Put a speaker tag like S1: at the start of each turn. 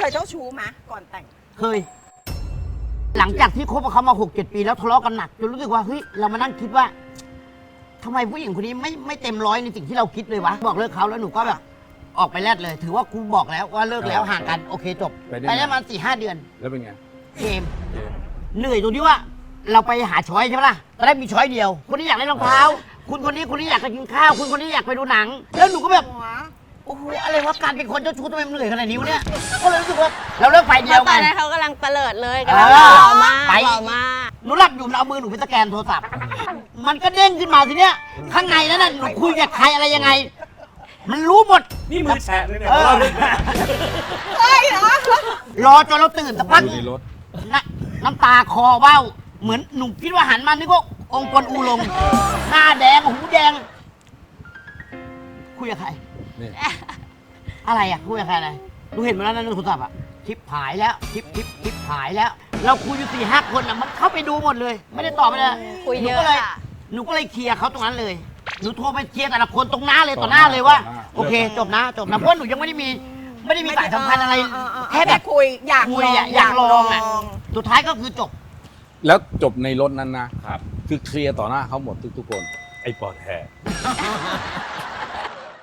S1: ยเจ้าชู้ไหมก่อนแต่ง
S2: เคย หลังจากที่คบกับเขามา 6-7 ปีแล้วทะเลาะกันหนักจนรู้สึกว่าเฮ้ยเรามานั่งคิดว่าทำไมผู้หญิงคนนี้ไม่เต็มร้อยในสิ่งที่เราคิดเลยวะบอกเลิกเขาแล้วหนูก็แบบออกไปแลดเลย ถือว่ากูบอกแล้วว่าเลิกแล้วห่างกันโอเคจบไปได้มา4-5 เดือน
S3: แล้วเป็นไง
S2: เกมเหนื่อยตรงที่ว่าเราไปหาช้อยใช่ไหมล่ะตอนแรกมีช้อยเดียว คนนี้อยากเล่นรองเท้าคุณคนนี้อยากจะกินข้าวคุณคนนี้อยากไปดูหนัง แล้วหนูก็แบบโอ้โหอะไรวะการเป็นคนเจ้าชู้ทำไมมันเหนื่อยขนาดนี้วะเนี่ยก็เลยรู้สึกว่าเราเลิกไฟเดียว
S4: ต
S2: กั
S4: อน
S2: น
S4: นั้นเขากำลังเตลิดเลยกำลังหล่อมาก
S2: ไป
S4: หล่อมาก
S2: หนูหลับอยู่เอามือหนูไปสแกนโทรศัพท์มันก็เด้งขึ้นมาทีเนี้ยข้างในนั้นน่ะหนูคุยกับใครอะไรยังไง มันรู้หมด
S5: นี่มือแฉะเลยเนี่ย
S1: เฮ้ยเหรอ
S2: รอจนเราตื่นสักพัก
S3: อยู่ในรถ
S2: น้ำตาคอเบ้าเหมือนหนูคิดว่าหันมานึกว่าองค์กรอูลงหน้าแดงหูแดง คุยกับใคร
S3: นี่
S2: อะไรอ่ะคุยกับใครอะไรดูเห็นมาแล้วนะในโทรศัพท์อ่ะคลิปหายแล้วคลิปหายแล้ว เราคุยอยู่4-5 คนอ่ะมันเข้าไปดูหมดเลย ไม่ได้ตอบไปเลย
S4: คุย
S2: หนู
S4: เย
S2: ก็
S4: อะ
S2: เลย
S4: อะ
S2: หนูก็เลยเคลียร์เขาตรงนั้นเลยหนูโทรไปเคลียร์แต่ละคนตรงหน้าเลยต่อหน้าเลยว่าโอเคจบนะเพราะหนูยังไม่ได้มีสายสัมพันธ์อะไรแค่แบบ
S1: คุยอยาก
S2: คุยอ่ะอยากลองอ่ะสุดท้ายก็คือจบ
S3: แล้วจบในรถนั้นนะครับ คือเคลียร์ต่อหน้าเขาหมดทุกคน
S5: ไอ้ปอดแห่